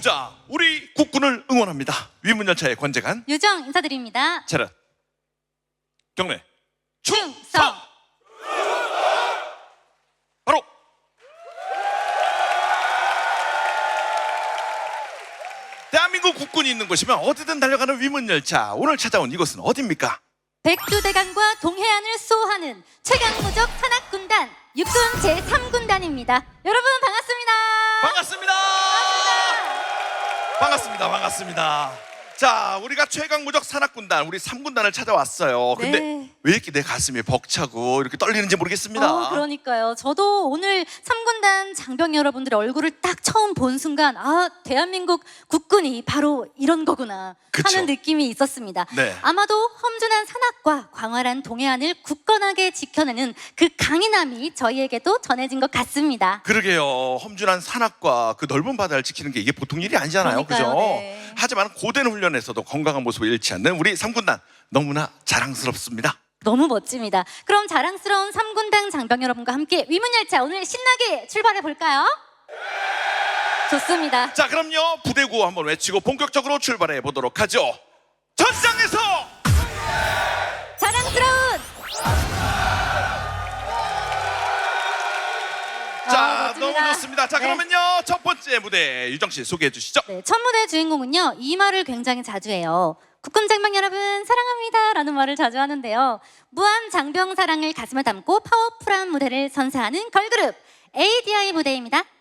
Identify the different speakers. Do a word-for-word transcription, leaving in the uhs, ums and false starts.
Speaker 1: 싸우자. 우리 국군을 응원합니다. 위문열차의 관제관
Speaker 2: 유정 인사드립니다.
Speaker 1: 차렷. 경례.
Speaker 2: 충성.
Speaker 1: 바로. 대한민국 국군이 있는 곳이면 어디든 달려가는 위문열차. 오늘 찾아온 이곳은 어디입니까?
Speaker 2: 백두대간과 동해안을 수호하는 최강무적 산악군단 육군 제삼 군단입니다. 여러분 반갑습니다.
Speaker 1: 반갑습니다. 반갑습니다. 반갑습니다. 자, 우리가 최강무적 산악군단 우리 삼 군단을 찾아왔어요. 근데
Speaker 2: 네.
Speaker 1: 왜 이렇게 내 가슴이 벅차고 이렇게 떨리는지 모르겠습니다.
Speaker 2: 어, 그러니까요. 저도 오늘 삼 군단 장병 여러분들의 얼굴을 딱 처음 본 순간 아, 대한민국 국군이 바로 이런 거구나
Speaker 1: 그쵸.
Speaker 2: 하는 느낌이 있었습니다.
Speaker 1: 네.
Speaker 2: 아마도 험준한 산악과 광활한 동해안을 굳건하게 지켜내는 그 강인함이 저희에게도 전해진 것 같습니다.
Speaker 1: 그러게요. 험준한 산악과 그 넓은 바다를 지키는 게 이게 보통 일이 아니잖아요.
Speaker 2: 그러니까요,
Speaker 1: 그죠?
Speaker 2: 네.
Speaker 1: 하지만 고된 훈련에서도 건강한 모습을 잃지 않는 우리 삼 군단 너무나 자랑스럽습니다.
Speaker 2: 너무 멋집니다. 그럼 자랑스러운 삼 군단 장병 여러분과 함께 위문열차 오늘 신나게 출발해 볼까요? 좋습니다.
Speaker 1: 자, 그럼요. 부대구 한번 외치고 본격적으로 출발해 보도록 하죠. 전장에서
Speaker 2: 자랑스러운
Speaker 1: 자,
Speaker 2: 아,
Speaker 1: 너무
Speaker 2: 멋집니다.
Speaker 1: 좋습니다. 자,
Speaker 2: 네.
Speaker 1: 그러면요. 첫 번째 무대 유정 씨 소개해 주시죠.
Speaker 2: 네, 첫 무대 주인공은요 이 말을 굉장히 자주 해요. 국군 장병 여러분 사랑합니다 라는 말을 자주 하는데요. 무한 장병 사랑을 가슴에 담고 파워풀한 무대를 선사하는 걸그룹 에이디아이 무대입니다.